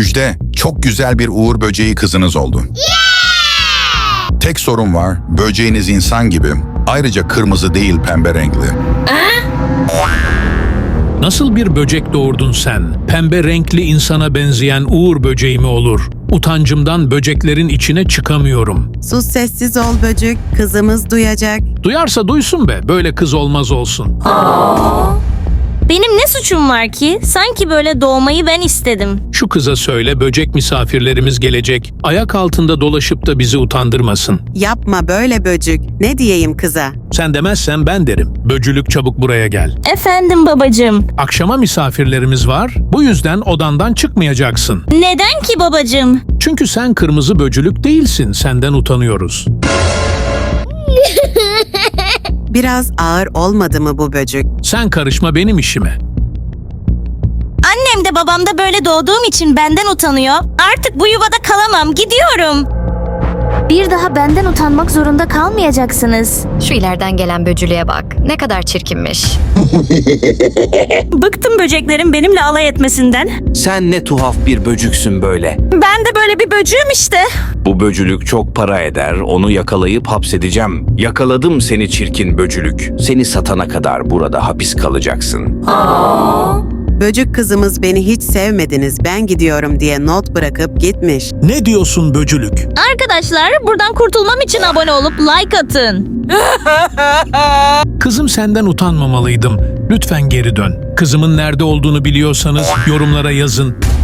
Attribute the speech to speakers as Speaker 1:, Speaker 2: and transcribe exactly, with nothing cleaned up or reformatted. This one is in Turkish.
Speaker 1: Müjde, çok güzel bir uğur böceği kızınız oldu. Tek sorun var, böceğiniz insan gibi. Ayrıca kırmızı değil, pembe renkli.
Speaker 2: Nasıl bir böcek doğurdun sen? Pembe renkli insana benzeyen uğur böceği mi olur? Utancımdan böceklerin içine çıkamıyorum.
Speaker 3: Sus, sessiz ol böcük. Kızımız duyacak.
Speaker 2: Duyarsa duysun be, böyle kız olmaz olsun.
Speaker 4: Benim ne suçum var ki? Sanki böyle doğmayı ben istedim.
Speaker 2: Şu kıza söyle, böcek misafirlerimiz gelecek. Ayak altında dolaşıp da bizi utandırmasın.
Speaker 3: Yapma böyle böcük. Ne diyeyim kıza?
Speaker 2: Sen demezsen ben derim. Böcülük, çabuk buraya gel.
Speaker 4: Efendim babacığım.
Speaker 2: Akşama misafirlerimiz var. Bu yüzden odandan çıkmayacaksın.
Speaker 4: Neden ki babacığım?
Speaker 2: Çünkü sen kırmızı böcülük değilsin. Senden utanıyoruz.
Speaker 3: Biraz ağır olmadı mı bu böcük?
Speaker 2: Sen karışma benim işime.
Speaker 4: Annem de babam da böyle doğduğum için benden utanıyor. Artık bu yuvada kalamam. Gidiyorum.
Speaker 5: Bir daha benden utanmak zorunda kalmayacaksınız.
Speaker 6: Şu ileriden gelen böcülüğe bak. Ne kadar çirkinmiş.
Speaker 4: Bıktım böceklerin benimle alay etmesinden.
Speaker 7: Sen ne tuhaf bir böcüksün böyle.
Speaker 4: Ben de böyle bir böcüğüm işte.
Speaker 7: Bu böcülük çok para eder, onu yakalayıp hapsedeceğim. Yakaladım seni çirkin böcülük. Seni satana kadar burada hapis kalacaksın.
Speaker 3: Böcük kızımız beni hiç sevmediniz, ben gidiyorum diye not bırakıp gitmiş.
Speaker 2: Ne diyorsun böcülük?
Speaker 4: Arkadaşlar buradan kurtulmam için abone olup like atın.
Speaker 2: Kızım, senden utanmamalıydım. Lütfen geri dön. Kızımın nerede olduğunu biliyorsanız yorumlara yazın.